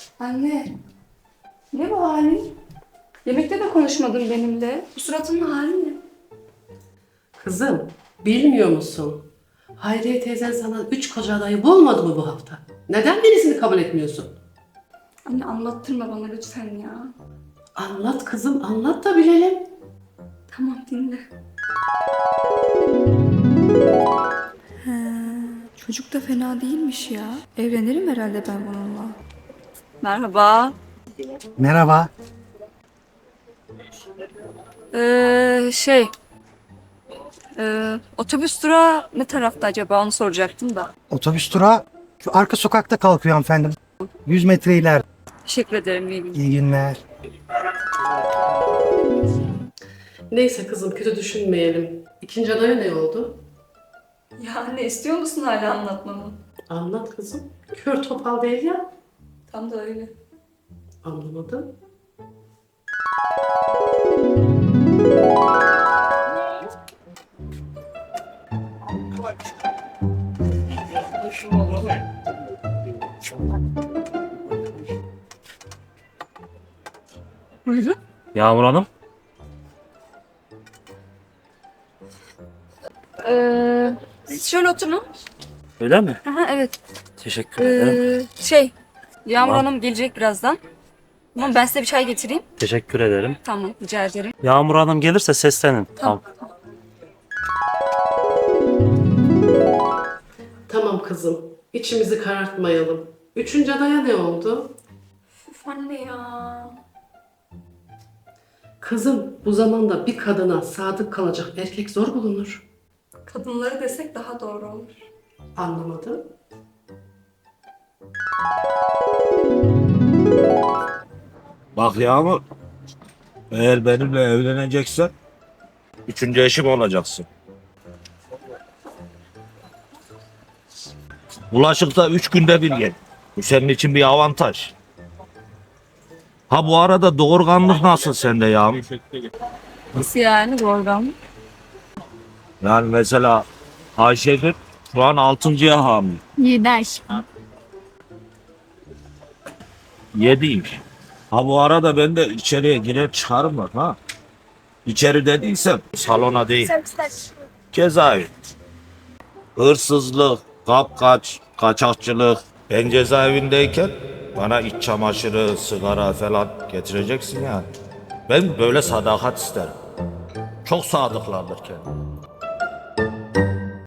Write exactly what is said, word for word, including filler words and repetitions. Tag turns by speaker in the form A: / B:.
A: Anne, ne bu halin? Yemekte de konuşmadın benimle. Bu suratının hali ne?
B: Kızım, bilmiyor musun? Hayriye teyzen sana üç koca adayı bulmadı mı bu hafta? Neden birisini kabul etmiyorsun?
A: Anne anlattırma bana lütfen ya.
B: Anlat kızım, anlat da bilelim.
A: Tamam dinle. He, çocuk da fena değilmiş ya. Evlenirim herhalde ben bununla. Merhaba.
C: Merhaba.
A: Ee, şey... Ee, otobüs durağı ne tarafta acaba onu soracaktım da.
C: Otobüs durağı şu arka sokakta kalkıyor hanımefendi. yüz metre ileride.
A: Teşekkür ederim iyi günler.
C: İyi günler.
B: Neyse kızım, kötü düşünmeyelim. İkinci adaya ne oldu?
A: Ya anne istiyor musun hala anlatmamı?
B: Anlat kızım. Kör topal değil ya.
A: Tam da öyle.
B: Anlamadım.
A: Buyurun.
D: Yağmur Hanım.
A: Ee, siz şöyle oturun.
D: Öyle mi?
A: Aha, evet.
D: Teşekkür ederim.
A: Ee, şey, Yağmur
D: Tamam.
A: Hanım gelecek birazdan. Tamam ben size bir çay getireyim.
D: Teşekkür ederim.
A: Tamam rica ederim.
D: Yağmur Hanım gelirse seslenin.
A: Tamam.
B: Tamam kızım, içimizi karartmayalım. Üçüncü adaya ne oldu?
A: Üf anne ya.
B: Kızım, bu zamanda bir kadına sadık kalacak erkek zor bulunur.
A: Kadınları desek daha doğru olur.
B: Anlamadım.
E: Bak Yağmur, eğer benimle evleneceksen üçüncü eşim olacaksın. Bulaşıkta üç günde bir gel. Bu senin için bir avantaj. Ha bu arada doğurganlık nasıl sende Yağmur?
A: Nasıl yani doğrudan?
E: Yani mesela Ayşegül şu an altıncıya hamile.
A: Yedi aşkım.
E: Yediymiş. Ha bu arada ben de içeriye girer çıkarım bak ha. İçeri dediysem salona değil. Cezaevi. Hırsızlık, kapkaç, kaçakçılık. Ben cezaevindeyken bana iç çamaşırı, sigara falan getireceksin yani. Ben böyle sadakat isterim. Çok sadıklardır kendim.